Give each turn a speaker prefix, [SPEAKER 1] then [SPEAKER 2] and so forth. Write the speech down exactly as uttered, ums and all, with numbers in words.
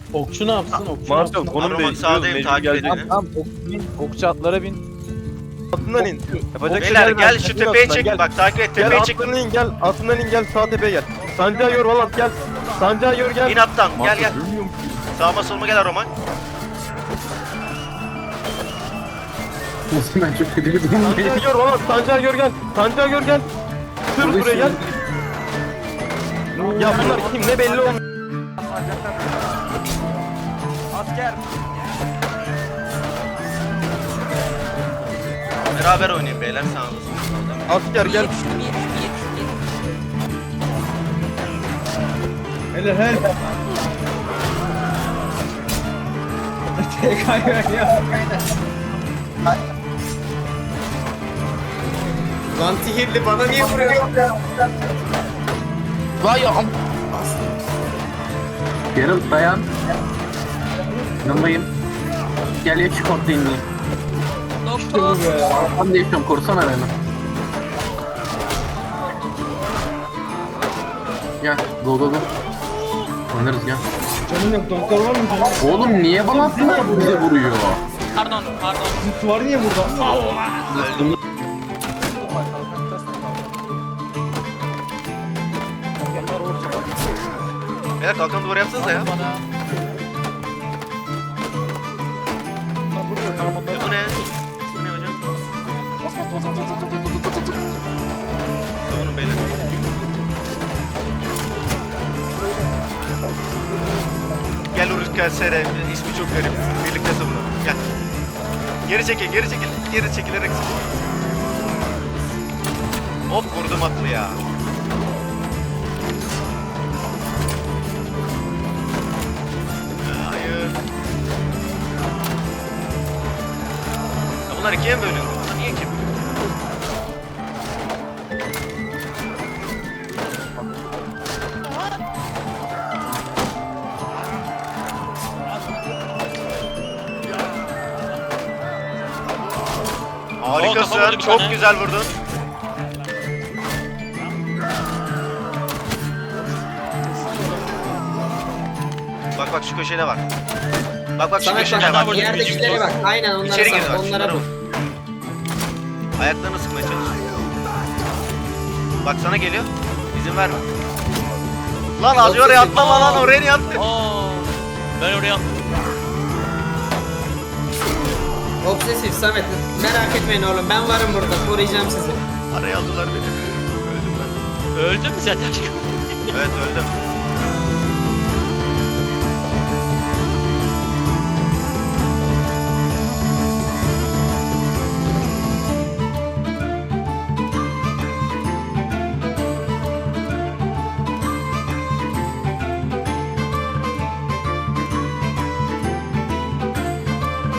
[SPEAKER 1] Okçu ne yapsın? Okçu ne
[SPEAKER 2] Marshall
[SPEAKER 1] yapsın?
[SPEAKER 2] konum
[SPEAKER 3] Roman
[SPEAKER 2] değiştiriyoruz.
[SPEAKER 3] sağdayım,
[SPEAKER 2] Mecbur
[SPEAKER 3] takip
[SPEAKER 2] gelecek.
[SPEAKER 3] edin.
[SPEAKER 4] Tamam tamam ok, bin, okçu atlara bin.
[SPEAKER 2] Atından in. Yapacak
[SPEAKER 3] Beyler
[SPEAKER 2] şeyler
[SPEAKER 3] gel
[SPEAKER 2] var.
[SPEAKER 3] şu
[SPEAKER 2] İn
[SPEAKER 3] tepeye
[SPEAKER 2] atından,
[SPEAKER 3] çek.
[SPEAKER 2] gel.
[SPEAKER 3] Bak takip et,
[SPEAKER 2] Gel
[SPEAKER 3] tepeye çek.
[SPEAKER 2] atından in gel. Atından in gel sağ tepeye gel. Sancağı yor Valat gel. Sancağı yor gel.
[SPEAKER 3] İn attan, gel gel.
[SPEAKER 2] Görmüyor musun?
[SPEAKER 3] Sağıma soluma gel Roman.
[SPEAKER 5] Nasıl ben çok kötü bir durumdayım.
[SPEAKER 2] Sancağı yor Valat. Sancağı yor gel. Sancağı yor gel. Sür buraya gel. Ya bunlar kim ne belli olmuyor.
[SPEAKER 4] Asker.
[SPEAKER 3] Beraber oynayın beyler, sağ olasın.
[SPEAKER 2] Asker gel.
[SPEAKER 1] Hele hele. T K ya.
[SPEAKER 6] Lan sihirli bana niye vuruyor?
[SPEAKER 4] Vay am.
[SPEAKER 5] Geralt dayan. Yanındayım. Gel ya çık ortaya ineyim.
[SPEAKER 1] İşte bu be.
[SPEAKER 5] Ben de yaşıyorum korusana beni. Gel go go go. Oynarız gel.
[SPEAKER 1] Canım yok, doktor var mı canım?
[SPEAKER 5] Oğlum niye bana attılar bize vuruyor?
[SPEAKER 7] Pardon, pardon.
[SPEAKER 1] Zıt var niye burada?
[SPEAKER 3] Beyler kalkan duvarı yapsanıza ya. Ya bu ne? Bu ne hocam? Savunun beyler. Gel Uruk S R, ismi çok garip. Birlikte savunalım. Gel. Geri çekil, geri çekil. Geri çekilerek savun. Hop vurdum atlı ya. Hayır. Ya bunlar ikiye mi bölündü? Bunlar niye ikiye bölündü? Harikasın,
[SPEAKER 7] kafama vurdu bir
[SPEAKER 3] çok
[SPEAKER 7] tane.
[SPEAKER 3] güzel vurdun. Bak bak şu köşede var. Bak bak şu
[SPEAKER 6] Samet
[SPEAKER 3] köşede
[SPEAKER 6] bak
[SPEAKER 3] bak.
[SPEAKER 6] yerdekilere bak. Aynen onlara
[SPEAKER 3] İçeri gir
[SPEAKER 6] sar.
[SPEAKER 3] bak,
[SPEAKER 6] Onlara
[SPEAKER 3] şunlara
[SPEAKER 6] vur.
[SPEAKER 3] vur. Ayaklarını sıkmaya çalış. Bak sana geliyor. İzin verme. Lan az oraya atlama lan, oraya niye attın?
[SPEAKER 7] Aa, ben oraya attım.
[SPEAKER 6] Obsesif Samet. Merak etmeyin oğlum. Ben varım burada. Koruyacağım sizi.
[SPEAKER 3] Araya aldılar beni. Öldüm ben.
[SPEAKER 7] Öldün mü sen aşkım?
[SPEAKER 3] Evet öldüm.